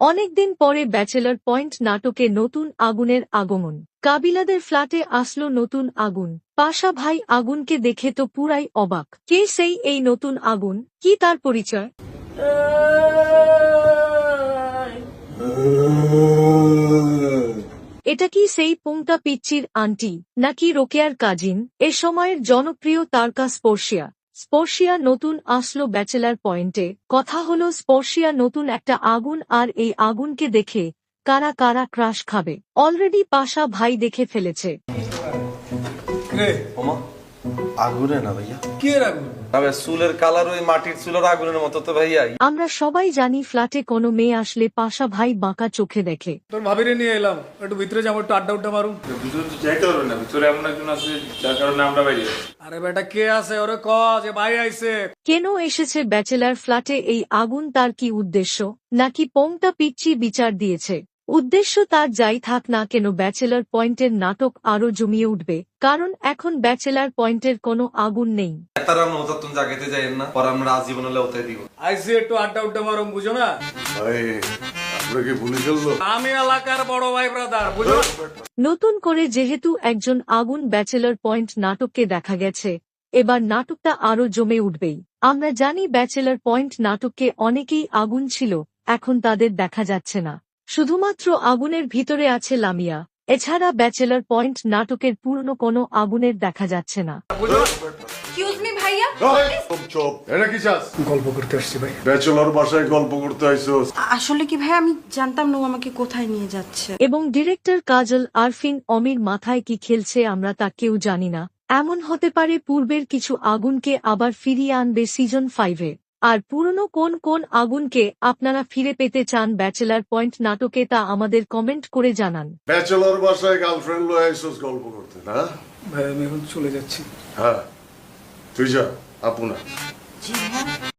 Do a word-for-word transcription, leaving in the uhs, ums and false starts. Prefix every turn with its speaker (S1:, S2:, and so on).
S1: অনেকদিন পরে bachelor point নাটকে নতুন আগুনের আগমন। কাবিলাদের ফ্ল্যাটে আসলো নতুন আগুন। পাশা ভাই আগুনকে দেখে তো পুরাই অবাক। কে সেই এই নতুন আগুন, কি তার পরিচয়? এটা কি সেই পুংটা পিচ্চির আন্টি, নাকি রোকেয়ার কাজিন? এ সময়ের জনপ্রিয় তারকা স্পর্শিয়া। স্পর্শিয়া নতুন আসলো ব্যাচেলার পয়েন্টে। কথা হলো স্পর্শিয়া নতুন একটা আগুন, আর এই আগুনকে দেখে কারা কারা ক্রাশ খাবে অলরেডি পাশা ভাই দেখে ফেলেছে।
S2: আগুনে না ভাইয়া,
S3: কি আগুন?
S2: তবে চুলের কালার ওই মাটির চুলের আগুনের মতো তো ভাইয়া।
S1: আমরা সবাই জানি ফ্ল্যাটে কোনো মেয়ে আসলে পাশা ভাই বাঁকা চোখে দেখে।
S3: তোর ভাবিরে নিয়ে এলাম, একটু ভিতরে যাবো, একটু আড্ডা উড্ডা মারুম।
S4: ভিতরে তো যাইতে পারবে না, ভিতরে এমন একজন আছে যার কারণে আমরা বাইরে।
S3: আরে বেটা কে আছে, ওরে ক যে ভাই আইছে।
S1: কেন এসেছে ব্যাচেলার ফ্ল্যাটে এই আগুন, তার কি উদ্দেশ্য? নাকি পোংটা পিচ্চি বিচার দিয়েছে? উদ্দেশ্য তার যাই থাক না কেন, ব্যাচেলার পয়েন্টের নাটক আরো জমিয়ে উঠবে, কারণ এখন ব্যাচেলার পয়েন্টের কোনো আগুন নেই।
S2: তারা নতুন জায়গাতে যাইেন না, পর আমরা আজীবন হলে ওতে দিব।
S3: আইছে একটু আড্ডা উড্ডা মারুম, বুঝো না?
S5: ভাই আমরা কি ভুলে ফেললো?
S3: আমি এলাকার বড় ভাই ব্রাদার, বুঝো না?
S1: নতুন করে যেহেতু একজন আগুন ব্যাচেলর পয়েন্ট নাটককে দেখা গেছে, এবার নাটকটা আরো জমে উঠবেই। আমরা জানি ব্যাচেলর পয়েন্ট নাটককে অনেকেই আগুন ছিল, এখন তাদের দেখা যাচ্ছে না। শুধুমাত্র আগুনের ভিতরে আছে লামিয়া। এছাড়া ব্যাচেলর পয়েন্ট নাটকের পুরনো কোনো আগুনের দেখা যাচ্ছে না।
S6: এক্সকিউজ মি ভাইয়া,
S5: চুপ, এটা কি চাস?
S3: গল্প করতে আসছি ভাই।
S5: ব্যাচেলর বাসায় গল্প করতে আইছস?
S6: আসলে কি ভাই আমি জানতাম না ও আমাকে কোথায় নিয়ে যাচ্ছে।
S1: এবং ডিরেক্টর কাজল আরফিন অমির মাথায় কি খেলছে আমরা তা কেউ জানি না। এমন হতে পারে পূর্বের কিছু আগুনকে আবার ফিরিয়ে আনবে সিজন ফাইভে। আর পুরনো কোন কোন আগুনকে আপনারা ফিরে পেতে চান ব্যাচেলার পয়েন্ট নাটকে, তা আমাদের কমেন্ট করে জানান।
S5: ব্যাচেলর বাসায় গার্লফ্রেন্ড লয়ে আইছস গল্প করতে, না?
S3: ভাই আমি এখন চলে যাচ্ছি।
S5: হ্যাঁ তুই যা, আপু না।
S6: জি হ্যাঁ।